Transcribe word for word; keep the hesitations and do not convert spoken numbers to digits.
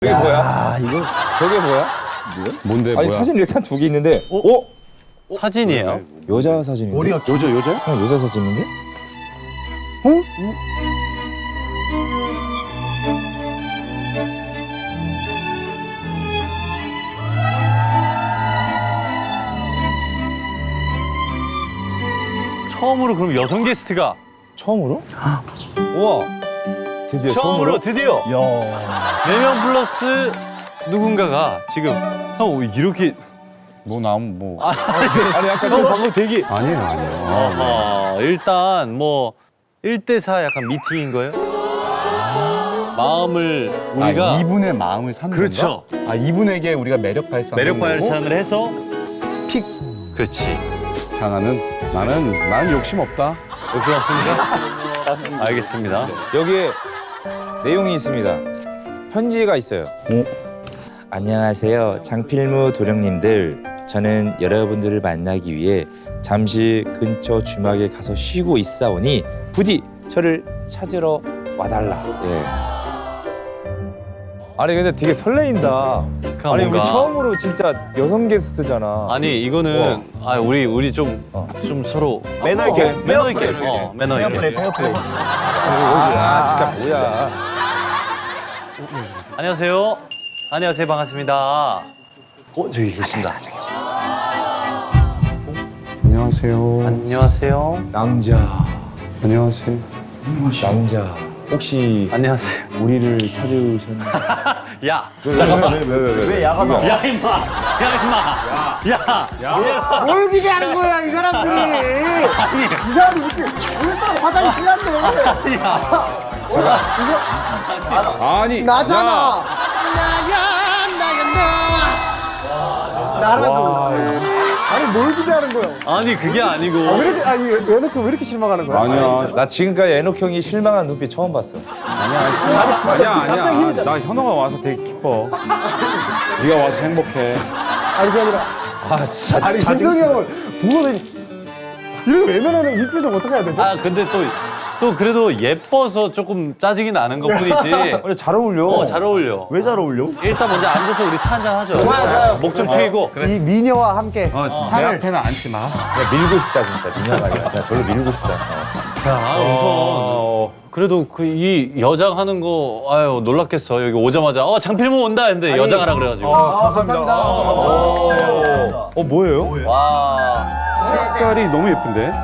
저게 뭐야? 아, 이거 저게 뭐야? 뭔데? 아니 뭐야? 사진 일단 두 개 있는데 어? 사진이에요? 여자 사진인데? 머리가 여자 여자야? 형 여자 사진인데? 처음으로 그럼 여성 게스트가 처음으로? 우와 드디어 처음으로 처음으로? 드디어 야. 네 명 플러스 누군가가 지금 형 이렇게 뭐 나무 뭐 아, 아니 약간 좀 방금 되게 아니에요 아니에요. 어, 일단 뭐 일 대 사 약간 미팅인 거예요? 마음을 우리가 아, 이분의 마음을 사는 그렇죠. 건가? 아 이분에게 우리가 매력 발산 매력 발산을 해서 픽 그렇지. 당하는 나는 나는 욕심 없다. 욕심 없습니까? 알겠습니다. 여기에 내용이 있습니다. 편지가 있어요. 안녕하세요, 장필무 도령님들. 저는 여러분들을 만나기 위해 잠시 근처 주막에 가서 쉬고 있사오니 부디 저를 찾으러 와달라. 예. 아니 근데 되게 설레인다. 그러니까 아니 우리 뭔가- 처음으로 진짜 여성 게스트잖아. 아니 이거는 아 우리 우리 좀 좀 어. 서로 매너 있게. 어, 매너 있게 어 매너 페어 플레이, 있게. 페어 플레이. 아, 진짜 뭐야? 안녕하세요. 안녕하세요. 반갑습니다. 어 저기 계십니다. 안녕하세요. 안녕하세요. 남자, 안녕하세요. 남자. 혹시 안녕하세요. 우리를 찾으셨나요? 야 잠깐만. 왜, 왜, 왜, 왜? 왜 야가 나와? 야 임마. 야 임마. 야. 뭘 기대하는 거야 이 사람들이? 이 사람이 이렇게 얼마나 화장이 진한데? 아니 나잖아. 나라고. 아니 뭘 기대하는 거야? 아니 그게 아니고. 아, 왜 이렇게 아니 얘네그 왜 이렇게 실망하는 거야? 아니야 나 지금까지 애녹 형이 실망한 눈빛 처음 봤어. 아니야 아니, 진짜 아니야 갑자기 아니야. 힘이잖아. 나 현호가 와서 되게 기뻐. 네가 와서 행복해. 아니 그게 아니라 아 진짜 아니 짜증- 신성이 형은 보고는 이렇게 외면하는 이 표정 어떻게 해야 되죠? 아 근데 또 또 그래도 예뻐서 조금 짜증이 나는 것뿐이지. 근데 잘 어울려. 어 잘 어울려. 왜 잘 어울려? 일단 먼저 앉아서 우리 차 한잔 하죠. 좋아요, 좋아요. 목 좀 튀고. 이 미녀와 함께 어, 내 앞에는 앉지 마. 야, 밀고 싶다 진짜 민혁아. 진짜 별로 밀고 싶다. 어. 아 우선 그래도 그 이 여장 하는 거 아유 놀랐겠어. 여기 오자마자 어 장필모 온다 했는데 여장하라 그래가지고. 아, 감사합니다. 어 뭐예요? 와. 색깔이 너무 예쁜데?